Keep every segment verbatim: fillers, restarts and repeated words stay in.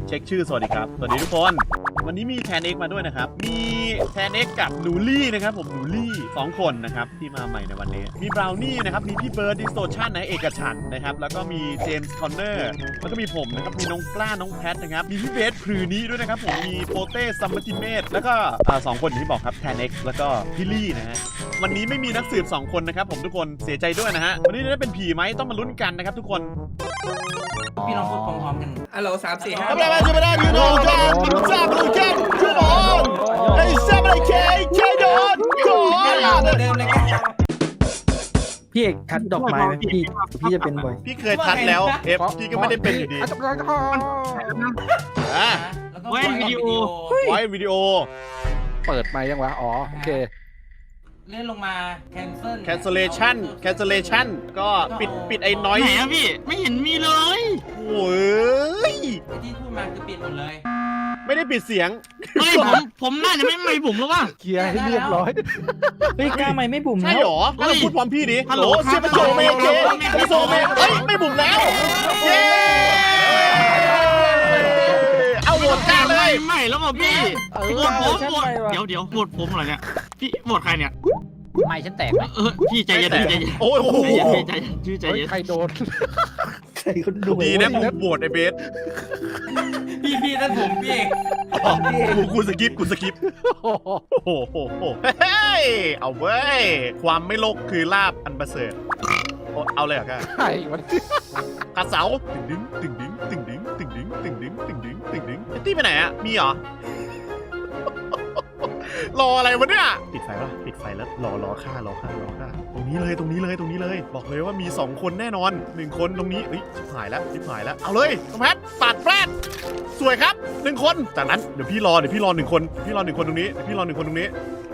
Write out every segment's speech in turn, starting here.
เช็คชื่อสวัสดีครับสวัสดีทุกคนวันนี้มีแทนเอ็กมาด้วยนะครับมีแทนเอ็กกับหนูลี่นะครับผมหนูลี่สองคนนะครับที่มาใหม่ในวันนี้มีบราวนี่นะครับมีพี่เบิร์ดดิสโทชันนะเอกฉันท์นะครับแล้วก็มีเจมส์คอนเนอร์แล้วก็มีผมนะครับมีน้องกล้าน้องแพทนะครับมีพี่เบสพลือนี้ด้วยนะครับผมมีโปเต้ซัมมติเมตแล้วก็สองคนที่บอกครับแทนเอ็กแล้วก็พี่ลี่นะฮะวันนี้ไม่มีนักสืบสองคนนะครับผมทุกคนเสียใจด้วยนะฮะวันนี้จะได้เป็นผีไหมต้องมาลุ้นกันนะครับทุกคนพี่ลองพูดพร้อมๆกันฮัลโหลสามสี่ห้า Come on, come on, you know, come on, come on, hey, seven K, K dot, go on. เดิมเลยกันพี่เอกทัดดอกไม้ไหมพี่พี่จะเป็นบ่อยพี่เคยทัดแล้วเอฟพี่ก็ไม่ได้เป็นอยู่ดีอ่ะไว้วิดีโอไว้วิดีโอเปิดมายังวะอ๋อโอเคเลื่อนลงมา cancel cancellation cancellation ก็ปิดปิดไอ้น้อยไหนอะพี่ไม่เห็นมีเลยโอ้ยที่พูดมาคือปิดหมดเลยไม่ได้ปิดเสียงเฮ้ยผมผมน่าจะไม่ไม่ผมแล้วว่ะเคลียร์ให้เรียบร้อยเฮ้ยกล้าไหมไม่บุ๋มใช่แล้วหรอถ้าเราพูดพร้อมพี่ดิฮัลโหลเชื่อไปโซเมเจไปโซเมเฮ้ยไม่บุ๋มแล้วเย้เอาโหวตกล้าเลยไม่แล้วว่ะพี่เออโหวตผมฉันโหวตไปว่ะเดี๋ยวเดี๋ยวโหวตผมเหรอเนี่ยพี่โหวตใครเนี่ยไม่ฉันแตกเออพี่ใจเย็นใจเย็นโอ้ยโอ้โหใจเย็นใจเย็นชื่อใจเฮ้ยเย็นใครโดนใครคนดูดีนะกูโหวตไอ้เบสพี่พี่นั่นผมพี่เอกกูกูสกิปกูสกิปโอ้โหโอ้โหเฮ้ยเอาเว้ยความไม่โลกคือลาบอันประเสริฐโอ้เอาเลยเหรอครับใครวะขาเสาตึงดึงตึงดึงตึงดึงตึงดึงตึงดึงตึงดึงตึงดึงตี้ไปไหนอะมีเหรอ รออะไรวะเนี่ยปิดไฟปะปิดไฟแล้วรอรอฆ่ารอฆ่ารอฆ่าตรงนี้เลยตรงนี้เลยตรงนี้เลยบอกเลยว่ามีสองคนแน่นอนหนึ่งคนตรงนี้เฮ้ยชิบหายแล้วชิบหายแล้วเอาเลยน้องแพทปาดแฟรดสวยครับหนึ่งคนจากนั้นเดี๋ยวพี่รอเดี๋ยวพี่รอหนึ่งคนเดี๋ยวพี่รอหนึ่งคนตรงนี้เดี๋ยวพี่รอหนึ่งคนตรงนี้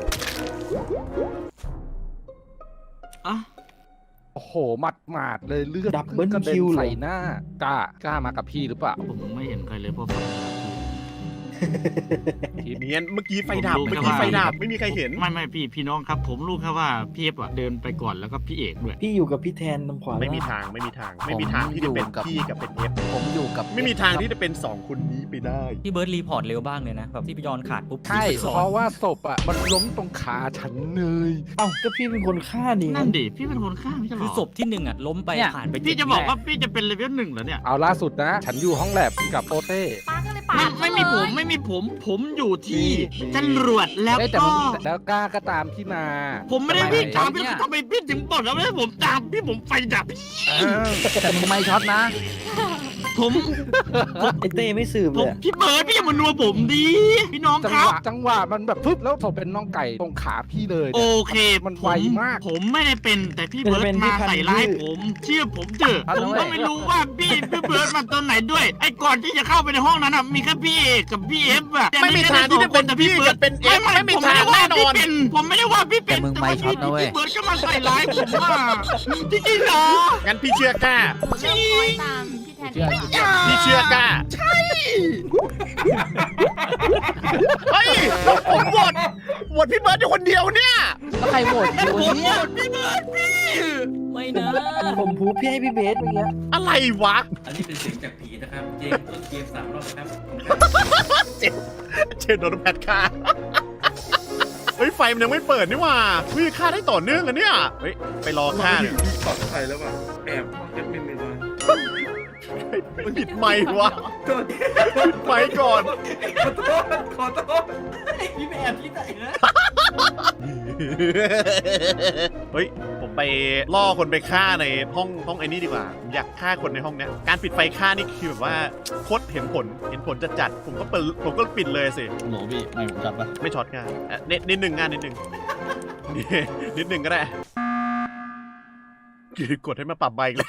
อ่ะโอ้โหหมัดหมาดเลยเลือดดับเบิลกระเด็คินวเหรใส่อหน้ากล้ากล้ามากับพี่หรือเปล่าผมไม่เห็นใครเลยเพราะไฟเนียนเมื่อกี้ไฟดับเมื่อกี้ไฟดับไม่มีใครเห็นไม่ไม่พี่พี่น้องครับ ผมรู้แค่ว่าพี่เอฟอะเดินไปก่อนแล้วก็พี่เอกด้วยพี่อยู่กับพี่แทนตรงขวาไม่มีทางไม่มีทางไม่มีทางที่จะเป็นพี่กับเป็นเอฟผมอยู่กับไม่มีทางที่จะเป็นสองคนนี้ไปได้พี่เบิร์ดรีพอร์ตเร็วบ้างเลยนะแบบที่พี่ยอนขาดปุ๊บใช่เพราะว่าศพอ่ะมันล้มตรงขาฉันเลยเอ้าก็พี่เป็นคนฆ่านี่นั่นดิพี่เป็นคนฆ่าไม่ใช่หรคืออศพที่หนึ่งอ่ะล้มไปผ่านไปพี่จะบอกว่าพี่จะเป็นเลเวลหนึ่งเหรอเนี่ยเอาล่าสุดนะ ฉันอยู่ห้องแลบกับโปเต้ป้าก็เลยปาไม่ดไม่มีผมไม่มีผมผมอยู่ที่จรวดแล้วเอ้ยแต่ก็มันแล้วกล้าก็ตามพี่มาผมไม่ได้วิ่งตามพี่เนี่ยทำไมพี่ถึงบอกแล้วว่าผมตามพี่ผมไฟดับแต่มึงไม่ช็อตนะผมไอเต้ไม่สืบผเลมยพี่เบิร์ดพี่อย่ามานัวผมดีพี่น้องจัคงรัหบวะจังหวะมันแบบปึ๊บแล้วศพเป็นน้องไก่ตรงขาพี่เลยโอเนี่ยเคมันไวมากผมไม่ได้เป็นแต่พี่เบิร์ดมาใส่ร้ายผม เชื่อผมเถอะผมก็ไม่รู้ว่าพี่พี่เบิร์ดมาตอนไหนด้วยไอ้ก่อนที่จะเข้าไปในห้องนั้นอ่ะมีแค่พี่เอกกับพี่เอฟอะไม่มีทางที่จะเป็นพี่กับเป็นเอฟไม่มีทางแน่นอนผมไม่ได้ว่าพี่เป็นแต่ว่าพี่พี่เบิร์ดก็มาใส่ร้ายผมว่าจริงๆเหรองั้นพี่เชื่อกล้าเชื่อคอยตามพี่แทนพี่เชื่อกล้าใช่เฮ้ยผมโหวตโหวตพี่เบิร์ดอยู่คนเดียวเนี่ยแล้วใครโหวตคิวผมเนี่ยหมดพี่เบิร์ดพี่ไม่นะผมพูพี่ให้พี่เบสเมื่อกี้อะไรวะอันนี้เป็นเสียงจากผีนะครับเจมส์เจมส์สามรอบนะครับเชนโดนแพทฆ่าเฮ้ยไฟมันยังไม่เปิดนี่หว่าวิฆ่าได้ต่อเนื่องอะเนี่ยเฮ้ยไปรอฆ่าเนี่ยปลอดภัยแล้วป่ะแอบห้องแอดมินไปเลยปิดไมค์วะโทษปิดไมค์ก่อนขอโทษขอโทษพี่แอบที่ไหนนะเฮ้ยผมไปล่อคนไปฆ่าในห้องห้องไอ้นี่ดีกว่าผมอยากฆ่าคนในห้องเนี้ยการปิดไฟฆ่านี่คือแบบว่าโคตรเห็นผลเห็นผลจัดจัดๆผมก็เปิดผมก็ปิดเลยสิโหพี่ไม่ผมจัดปะไม่ช็อตง่ายอ่ะนิดนิดหนึ่งงานนิดหนึ่ง นิดหนึ่งก็ได้กดให้มาปรับใบเลย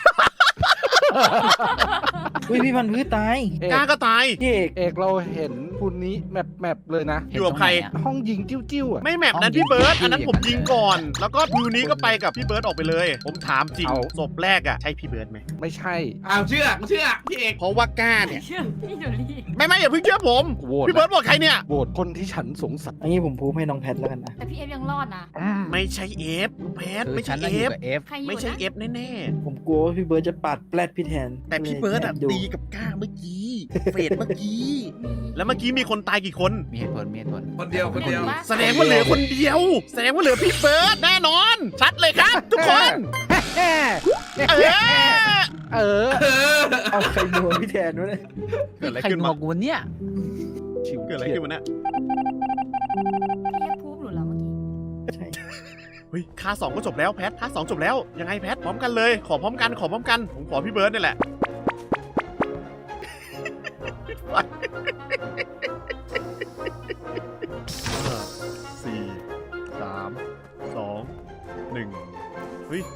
อุ้ยพี่พันธุ์พืชตายเอกล้าก็ตายพี่เอกเอกเราเห็นคุณนี้แมปแมปเลยนะอยู่กับใครห้องยิงจิ้วจิ้วๆอ่ะไม่แมปนั้นพี่เบิร์ดอันนั้นผมยิงก่อน แล้วก็พิวนี้ก็ไปกับพี่เบิร์ดออกไปเลย ผมถามจริงเอาศพแรกอ่ะใช่พี่เบิร์ดไหมไม่ใช่อ้าวเชื่อเชื่อพี่เอกเพราะว่ากล้าเนี่ยเชื่อพี่โดลี่ไม่ไม่อย่าเพิ่งเชื่อผมโหวตพี่เบิร์ดบอกใครเนี่ยโหวตคนที่ฉันสงสัยอันนี้ผมพูให้น้องแพทแล้วกันนะแต่พี่เอฟยังรอดนะไม่ใช่เอฟแพทไม่ใช่เอฟใครอยู่ไม่ใช่นะเอฟแน่ผมกลัวว่าพี่เบิร์ดจะปาดแปลดพี่พี่แทนแต่พี่เบิร์ดอะดูตีกับก้าเมื่อกี้เฟดเมื่อกี้ แล้วเมื่อกี้มีคนตายกี่คนมีเหตุผลมีเหตุผลคนเดียวคนเดียวแสดงว่าเหลือคนเดียว แสดงว่าเหลือพี่เบิร์ดแน่นอน ชัดเลยครับ ทุกคน เออเออเอาใครนัวพี่แทนวะเนี่ยเกิดอะไรใครขึ้นงมาอกวันเนี้ยชิวเกิดอะไรขึ้นมาเนี่ยพี่ให้พูดหนูแล้วเมื่อกี้ใช่เฮ้ยค่าสองก็จบแล้วแพทค่าสองจบแล้วยังไงแพทพร้อมกันเลยขอพร้อมกันขอพร้อมกันผมขอพี่เบิร์ดนี่แหละ ห้าสี่สามสองหนึ่งเฮ้ย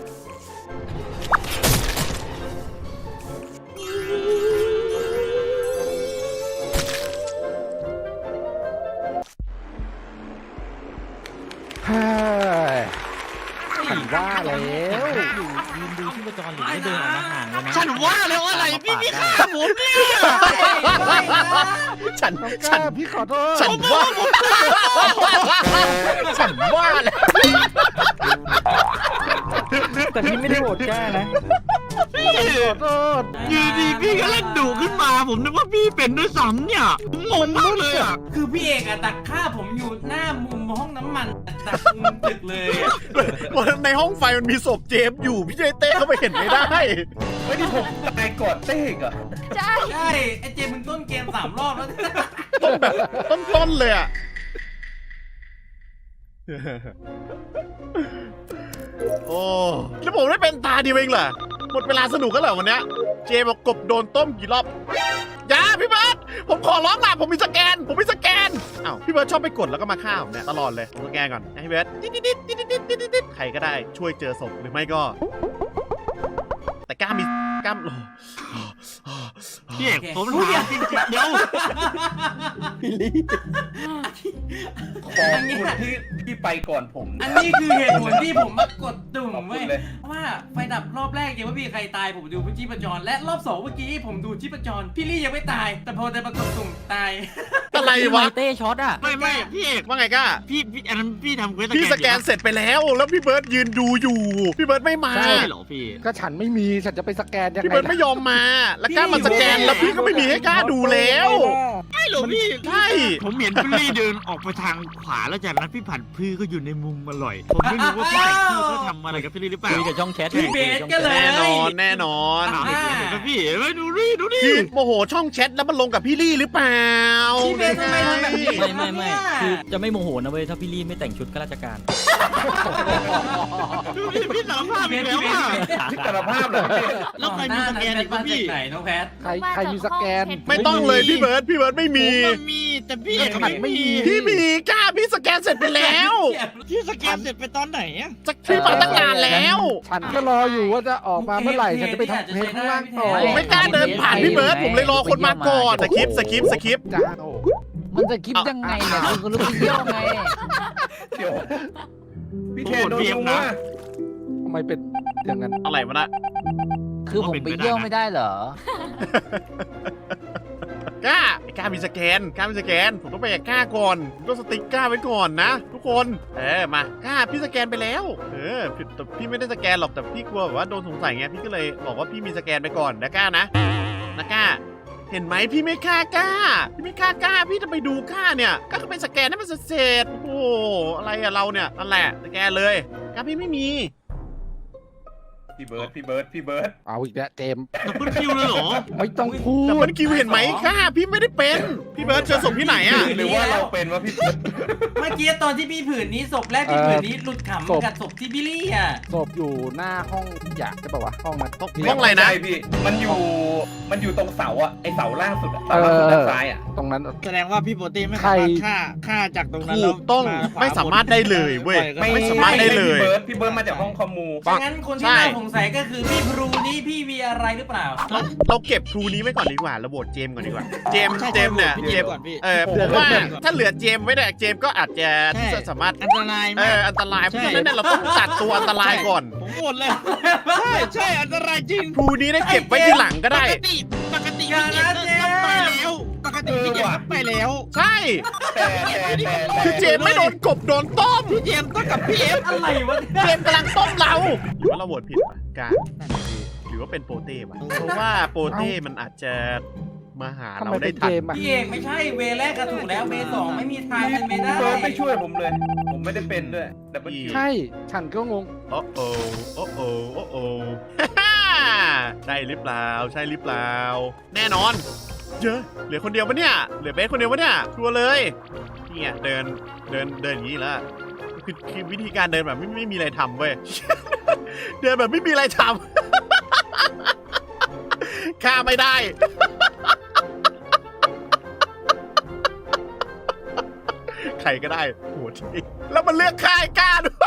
เฮ้ยฉันว่าแล้วอยู่ยืนดูชีพจรหรือไม่เดินออกมาห่างเลยนะฉันว่าแล้วอะไรพี่พี่ฆ่าผมเนี่ยฉันน้องฉัก้าน พี่ขอโทษฉันว่าฉันว่าแหละแต่พี่ไม่ได้โหวตกล้านะขอโทษอยู่ดีพี่ก็เล่นดุขึ้นมาผมนึกว่าพี่เป็นด้วยซ้ำเนี่ยผมงงมากเลยอ่ะคือพี่เอกอะดักฆ่าผมอยู่หน้ามุมห้องน้ำมันดักมุมตึกเลยอะในห้องไฟมันมีศพเจมส์อยู่พี่เจเต้เข้าไปเห็นไม่ได้ไม่ได้ผมตายกอดเต้กเหรอใช่ใช่ไอเจมึงต้นเกมสามรอบแล้วต้นแบบต้นๆเลยอ่ะ โอ้แล้วผมได้เป็นตาเดียวเองเหรอหมดเวลาสนุกกันเหรอวันเนี้ยเจบอกกบโดนต้มกี่รอบอย่าพี่เบิร์ดผมขอร้องล่ะผมมีสแกน ผมมีสแกนอ้าวพี่เบิร์ดชอบไปกดแล้วก็มาฆ่าผมเนี่ยตลอดเลยผมสแกนก่อนให้พี่เบิร์ดดิดดิดดิดดิดดิดดิดดิดดิดใครก็ได้ช่วยเจอศพหรือไม่ก็ แต่กล้ามีกล้ามพี่เอกผมถามจริงๆเดี๋ยวพี่ลี่ขอบคุณที่ที่ไปก่อนผมอันนี้คือเหตุผลที่ผมมากดตุ่มขอบคุเว้ณยเลยว่าไฟดับรอบแรกยังไม่มีใครตายผมดูชีพจรและรอบสองเมื่อกี้ผมดูชีพจรพี่ลี่ยังไม่ตาย แต่พอจะมากดตุ่มตายอะไรวะเต้ช็อตอ่ะไม่ไม่พี่เอกว่าไงกล้าพี่พี่อันนั้นพี่ทำเควสพี่สแกนเสร็จไปแล้ว แล้วพี่เบิร์ดยืนดูอยู่ พี่เบิร์ดไม่มาใช่เหรอพี่ก็ฉันไม่มีฉันจะไปสแกนยังพี่ไงเบิร์ดไม่ยอมมา แล้วกล้ามาสแกนแล้วพี่ก็ไม่มีให้กล้าดูแล้วไม่หรอพี่ใช่ผมเห็นพี่ลี่เดินออกไปทางขวาแล้วจากนั้นพี่ผัดพื้ก็อยู่ในมุมอร่อย ผมไม่รู้ว่าพี่ผัดพื้เขาทำอะไรกับพี่ลี่หรือเปล่าคุยกับช่องแชทพี่เบสก็เลยแน่นอนแน่นอนถามอีกทีหนึ่งนะพี่ไม่ดูดิดูดิพี่โมโหช่องแชทแล้วมันลงกับพี่ลี่หรือเปล่าพี่เบสทำไมทำแบบนี้ไม่ไม่ไม่คือจะไม่โมโหนะเว้ยถ้าพี่ลี่ไม่แต่งชุดข้าราชการดูดิพี่สารภาพพี่อีเบกสแล้วพี่เบสอ่ะสารภาพเหรอพี่แล้วใครมีสแกนอีกมาวะจากพี่ไหนน้องแพทใครใครมีสแกนไม่ต้องเลยพี่เบิร์ดพี่เบิร์ดไม่ผมีมมันมีแต่พี่เอกฉันไม่มีพี่มีกล้าพี่สแกนเสร็จไปแล้วพี่สแกนเสร็จไปตอนไหนอ่ะจะพี่มาตั้งนานแล้วฉันก็รออยู่ว่าจะออกมาเมื่อไหร่ฉันจะไปทำเพลงข้างล่างต่อผมไม่กล้าเดินผ่านพี่เบิร์ดผมเลยรอคนมาก่อนสคริปต์สคริปต์สคริปต์จ้าโอ้มันจะคิดยังไงเนี่ยคุณก็รู้ไปเที่ยวไงเดี๋ยวพี่เทนโดนลุงว่าทำไมเป็นอย่างนั้นอะไรวะน่ะคือผมไปเที่ยวไม่ได้เหรอกล้าไอ้กล้ามีสแกนกล้ามีสแกนผมต้องไปกับกล้าก่อนผมต้องสติ๊กกล้าไว้ก่อนนะทุกคนเออมากล้าพี่สแกนไปแล้วเออพี่แต่พี่ไม่ได้สแกนหรอกแต่พี่กลัวแบบว่าโดนสงสัยไงพี่ก็เลยบอกว่าพี่มีสแกนไปก่อนนะกล้านะนะกล้าเห็นไหมพี่ไม่ฆ่ากล้าพี่ไม่ฆ่ากล้าพี่จะไปดูกล้าเนี่ยกล้าก็ไปสแกนให้มันเสร็จๆโอ้โหอะไรอะเราเนี่ยนั่นแหละสแกนเลยกล้าพี่ไม่มีพี่เบิร์ดพี่เบิร์ดพี่เบิร์ดเอาอีกแล้วเจมส์ดับเบิลคิวเลยเหรอไม่ต้องพูดแต่มันคิวเห็นไหมกล้าพี่ไม่ได้เป็นพี่เบิร์ดเจอศพที่ไหนอะหรือว่าเราเป็นว่าพี่เบิร์ดเมื่อกี้ตอนที่พี่ผืนนี้ศพแรกพี่ผืนนี้หลุดขำกับศพที่พี่ลี่อ่ะศพอยู่หน้าห้องอยากจะบอกว่าห้องนั้นห้องอะไรนะใช่พี่มันอยู่มันอยู่ตรงเสาอะไอเสาล่างสุดอะเสาล่างสุดด้านซ้ายอะตรงนั้นแสดงว่าพี่โปรตีไม่ใครสามารถฆ่าฆ่าจากตรงนั้นถูแล้วกต้องาขวไม่สามารถได้เลยเว้ยปล่อไม่สามารถได้เลยพี่เบิร์ดพี่เบิร์ดมาจากห้องคอมมูงั้นคนที่น่าสงสัยก็คือพี่พรูนี่พี่มีอะไรหรือเปล่าเราเราเก็บครูนี้ไว้ก่อนดีกว่าเราโหวตเจมส์ก่อนดีกว่า เจมส์ใช่เจมส์เนี่ยพี่เจเจมมส์ก่อนพี่เออผมว่าถ้าเหลือเจมส์ไว้เนี่ยเจมส์ก็อาจจะใช่สามารถอันตรายเอมากออันตรายเพราะฉะนั้นเนี่ยเราต้องตัดตัวอันตรายก่อนผมหมดเลย ใช่ใช่อันตรายจริงครูนี้ได้เก็บไว้ทีหลังก็ได้ปกติปกติพี่เจมส์ต้องไปแล้วปกติพี่เจมส์ต้องไปแล้วใช่แต่แต่แต่แต่คือเจมส์ไม่โดนกบโดนต้มพี่เจมส์ต้องกับพี่เอฟอะไรวะเจมส์กำลังต้มเราหรือว่าเราโหวตผิดปะกาหรืออว่าเป็นโปเต้ว่ะเพราะว่าโปเต้มันอาจจะมาหาทำเราไมได้เป็นทัเกนมอ่ะพี่เอกไม่ใช่เวแรกก็ถูกแล้วเวสองไม่มีทางเป็นเวได้พี่เบิร์ดไม่ช่วยผมเลย ผมไม่ได้เป็นด้วยดับเบิลคิวใช่ฉันก็งงโอ้โอโอ้โอโอ้โอ ใช่หรือเปล่าใช่หรือเปล่าแน่นอนเยอะเหลือคนเดียวปะเนี่ยเหลือเบสคนเดียวปะเนี่ยชัวร์เลยเนี่ยเดินเดินเดินอย่างนี้แล้วคือคือวิธีการเดินแบบไม่ไม่มีอะไรทำเว้ย เดินแบบไม่มีอะไรทำ ฆ่าไม่ได้ ใครก็ได้โหดจริงแล้วมันเลือกฆ่าไอ้กล้าด้วย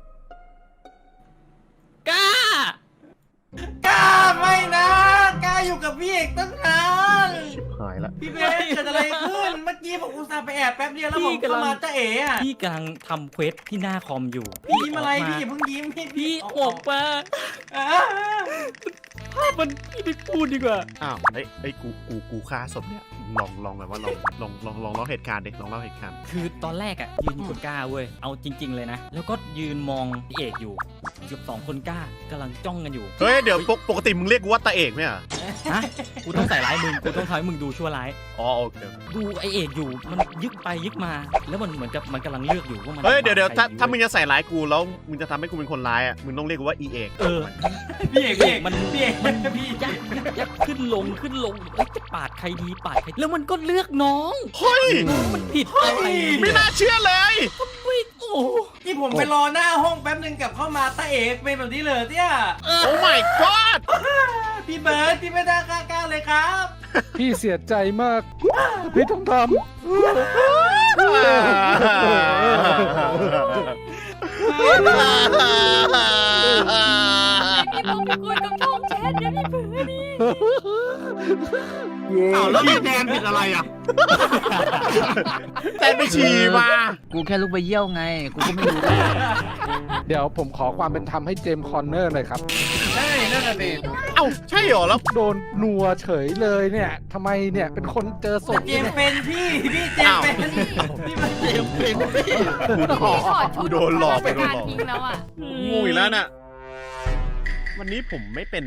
กล้ากล้าไม่นะกล้าอยู่กับพี่เอกตั้งนานหายละพี่เบสเกิดอะไรขึ้นเมื่อกี้ผมอุตส่าห์ไปแอบแป๊บเดียวแล้วผมเข้ามาจะเอ๋อะพี่กำลังทำเควสที่หน้าคอมอยู่พี่ยิ้มอะไรกพี่มาอย่าเพิ่งยิ้มพี่พี่อออกมาอ่าภาพมันพี่ไม่พูดดีกว่าอ้าวไอ้ไอ้ยกูกูกูฆ่าศพเนี่ยลองลองแบบว่าลองลองลองลองเล่าเหตุการณ์ดิลองเล่าเหตุการณ์คือตอนแรกอะยืนอยู่คนกล้าเว้ย เอาจริง ๆเลยนะ แล้วก็ยืนมองพี่เอกอยู่เกือบสองคนกล้ากำลังจ้องกันอยู่เฮ้ยเดี๋ยวปกปกติมึงเรียกกูว่าตาเอกไหมอ่ะฮะ กูต้องใส่ร้ายมึง กูต้องทำให้มึงดูชั่วร้ายอ๋อโอเคดูไอเอกอยู่ มันยึกไปยึกมา แล้วมันเหมือนกับมันกำลังเลือกอยู่ว่ามันเฮ้ยเดี๋ยวเดี๋ยวถ้าใครถ้ามึงจะใส่ร้ายกูแล้วมึงจะทำให้กูเป็นคนร้ายอ่ะมึงต้องเรียกกูว่าอีเอกเออพี่เอกพี่เอกมันพี่เอกมันพี่ยักยักยักขึ้นลงขึ้นลงเอ้ยจะปาดใครดีปาดใคร แล้วมันก็เลือกน้องเฮ้ยมันผิดอะไรไม่น่าเชื่อเลยไม่โอ้ที่ผมไปรอหน้าห้องแป๊บนึงกลับเข้ามาตาเอกเป็นแบบนี้เลยเนี่ยเออโอ้ my god พี่เบิร์ดพี่ไม่ได้กล้าๆเลยครับพี่เสียใจมาก พี่ต้องทพี่ต้องไปคุยกับช่องแชทเดี๋ยวพี่เบื่อนี่ำเย้อ้าวแล้วพี่แดนผิดอะไรอ่ะแต่ไปฉี่มากูแค่ลุกไปเยี่ยวไง กูก็ไม่รู้เดี๋ยวผมขอความเป็นธรรมให้เจมส์คอนเนอร์หน่อยครับใช่นั่นน่ะดิเอ้าใช่เหรอแล้วโดนนัวเฉยเลยเนี่ยทำไมเนี่ยเป็นคนเจอศแต่พเจเนี่ยมส์เป็นพี่พี่เจมส์เป็นพี่มันเจมส์เป็นพี่กูโดนหลอกกูโดนหลอกทิ้งแล้วอ่ะงูอีกแล้วน่ะวันนี้ผมไม่เป็น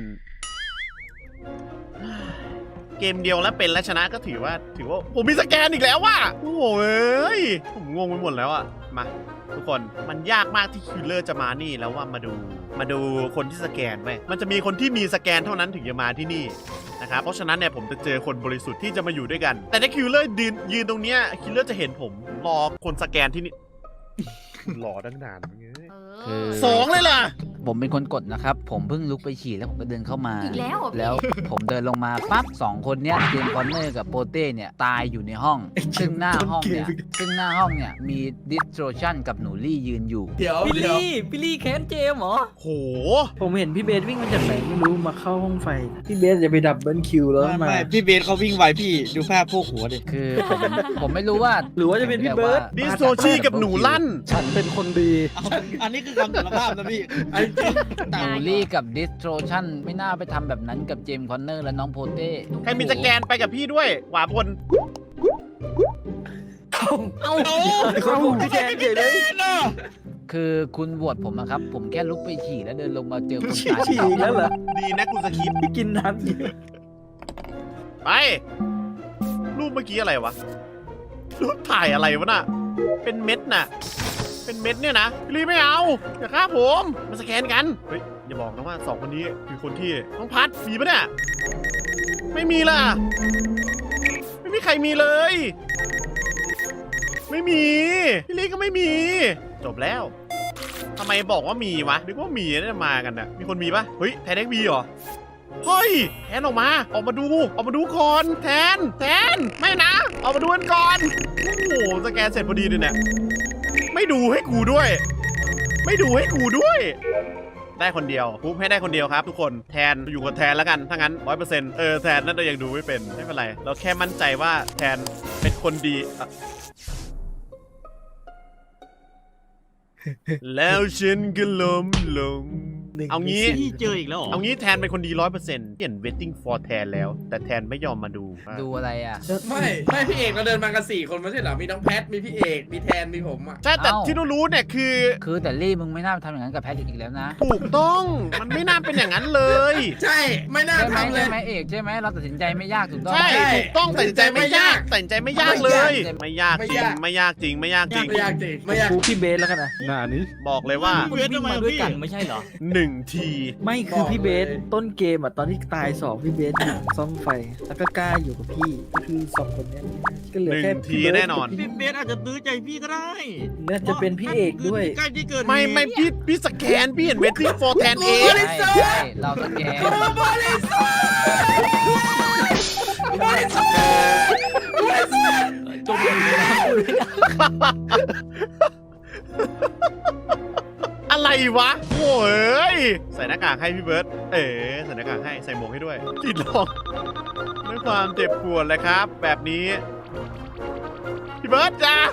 เกมเดียวแล้วเป็นและชนะก็ถือว่า ถือว่าผมมีสแกนอีกแล้วว่ะโอ้โหเอ้ยผมงงไปหมดแล้วอ่ะมาทุกคนมันยากมากที่คิลเลอร์จะมานี่แล้วว่ามาดูมาดูคนที่สแกนไว้มันจะมีคนที่มีสแกนเท่านั้นถึงจะมาที่นี่นะครับเพราะฉะนั้นเนี่ยผมจะเจอคนบริสุทธิ์ที่จะมาอยู่ด้วยกัน แต่ถ้าคิลเลอร์ยืนยืนตรงเนี้ยคิลเลอร์จะเห็นผมรอคนสแกนที่นี่ รอตั้งนานเงี้ยเออสองเลยล่ะผมเป็นคนกดนะครับ ผมเพิ่งลุกไปฉี่แล้วผมก็เดินเข้ามาอีกแล้วเหรอพี่แล้วผมเดินลงมาปั๊บสองคนเนี้ยเจมส์คอนเนอร์กับโปเต้เนี่ยตายอยู่ในห้อง ซึ่งหน้าห้องเนี่ยซึ่งหน้าห้องเนี่ยมีดิสโทรชันกับหนูลี่ยืนอยู่เดี๋ยวพี่เดี๋ยวลี่พี่ลี่แค้นเจมส์เหรอโหผมเห็นพี่เบสวิ่งมาจากไหนไม่รู้มาเข้าห้องไฟ พี่เบสจะไปดับเบิลคิวแล้วมาพี่เบสเขาวิ่งไวพี่ดูภาพพวกหัวดิคือผมผมไม่รู้ว่าหรือว่าจะเป็นพี่เบิร์ดดิสโซชีกับหนูลั่นฉันเป็นคนดีอันนี้คือคำสารภาพนะพี่หนูลี่กับดิสโทรชันไม่น่าไปทำแบบนั้นกับเจมส์คอนเนอร์และน้องโปเต้ใครมีสแกนไปกับพี่ด้วยขวาบนเอ้าเขาพูดพี่แกนเฉยเลยคือคุณโหวตผมอะครับ ผมแค่ลุกไปฉี่แล้วเดินลงมาเจอคนตายฉี่แล้วเหรอดีนะกูสคริปต์พี่กินน้ำเยอะไป รูปเมื่อกี้อะไรวะ รูปถ่ายอะไรวะน่ะ เป็นเม็ดน่ะ เป็นเม็ดเนี่ยนะรีไม่เอาอย่าฆ่าผมมาสแกนกัน เฮ้ย อย่าบอกนะว่าสองคนนี้คือคนที่น้องพัดมีปะเนี่ย ไม่มีล่ะ ไม่มีใครมีเลย ไม่มี พี่ลีก็ไม่มี จบแล้วทำไมบอกว่ามีวะนึกว่ามีน่าจะมากันน่ะ มีคนมีปะเฮ้ยแทนเอ็กบีเหรอ เฮ้ยแทนออกมา ออกมาดู ออกมาดูก่อนแทน แทน ไม่นะ ออกมาดูกันก่อน โอ้โหสแกนเสร็จพอดีเลยเนี่ย ไม่ดูให้กูด้วย ไม่ดูให้กูด้วย ได้คนเดียวปุ๊บให้ได้คนเดียวครับทุกคน แทนอยู่กับแทนแล้วกัน ถ้างั้นร้อยเปอร์เซ็นต์เออแทนน่าจะยังดูไม่เป็น ไม่เป็นไร เราแค่มั่นใจว่าแทนเป็นคนดีอะ แล้วฉันก็ล้มลงเอางี้พี่เจออีกแล้วเหรอเอางี้แทนเป็นคนดีร้อยเปอร์เซ็นต์เปลี่ยน waiting for แทนแล้ว แต่แทนไม่ยอมมาดูดูอะไรอ่ะไม่ไม่พี่เอกเราเดินมากันสี่คนไม่ใช่เหรอมีน้องแพทมีพี่เอกมีแทนมีผมอ่ะใช่แต่เอ้าที่รู้ๆเนี่ยคือคือแต่ลี่มึงไม่น่าทำอย่างนั้นกับแพทริกอีกแล้วนะถูกต้องมันไม่น่าเป็นอย่างนั้นเลยใช่ไม่น่าใช่ไหมทำเลใช่ยไหมเอกใช่ไหมเราตัดสินใจไม่ยากถูกต้องใช่ใช่ถูกต้องตัดสินใจไม่ยากตัดสินใจไม่ยากเลย ไม่ยากไม่จริงยากไม่ยากจริงไม่ยากจริงไม่ยากจริงไม่ยากพูพี่เบสแล้วกันนะหน้านี้บอกเลยว่าพี่เบสวิ่ทำงไมมาอะด้วยพี่กันไม่ใช่เหรอหนึ่งทีไม่คือพี่เบสต้นเกมอ่ะตอนที่ตายสองพี่เบสอยู่ซ่อมไฟ แล้วก็กล้าอยู่กับพี่ก็คือสองคนเนี้ยก็เหลือหนึ่แค่งทีพี่เบิร์ดแน่นอนพี่เบสอาจจะตื้อใจพี่ก็ได้น่าจะเป็นพี่เอกด้วยใกล้ที่เกิดไม่ไม่พี่พี่สแกนพี่เห็น waiting for แทนเองใช่ใช่เราสแกนจมอยู่ในน้ำเลยนะอะไรวะโอ้ยใส่หน้ากากให้พี่เบิร์ตเอ๋ใส่หน้ากากให้ใส่หมวกให้ด้วยกรีดร้องด้วยความเจ็บปวดเลยครับ แบบนี้พี่เบิร์ตจ้าย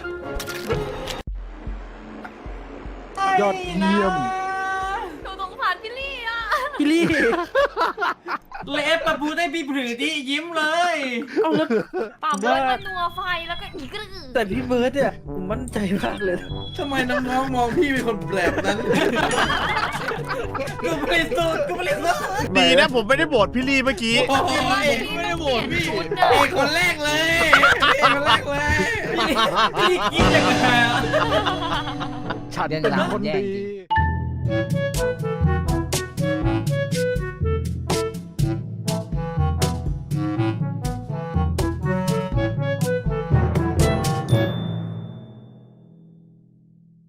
อดเยี่ยมหนูสงสารพี่ลี่อ่ะพี่ลี่เลฟประพูได้พี่ผือที่ยิ้มเลยเอาแล้วป่าเบิร์ดมันนัวไฟแล้วก็อีกกระอือแต่พี่เบิร์ดเนี่ยผมมั่นใจมากเลยนะทำไมน้องๆมองพี่เป็นคนแบบนั้นกูบริสุทธิ์กูบริสุทธิ์ดีนะผมไม่ได้โบดพี่ลีเมื่อกี้โอ้ยไม่ได้โหวตพี่เอกคนแรกเลยเอกคนแรกเลยพี่กินอย่างไรช็อตเป็นยังคนแย่งดีจริง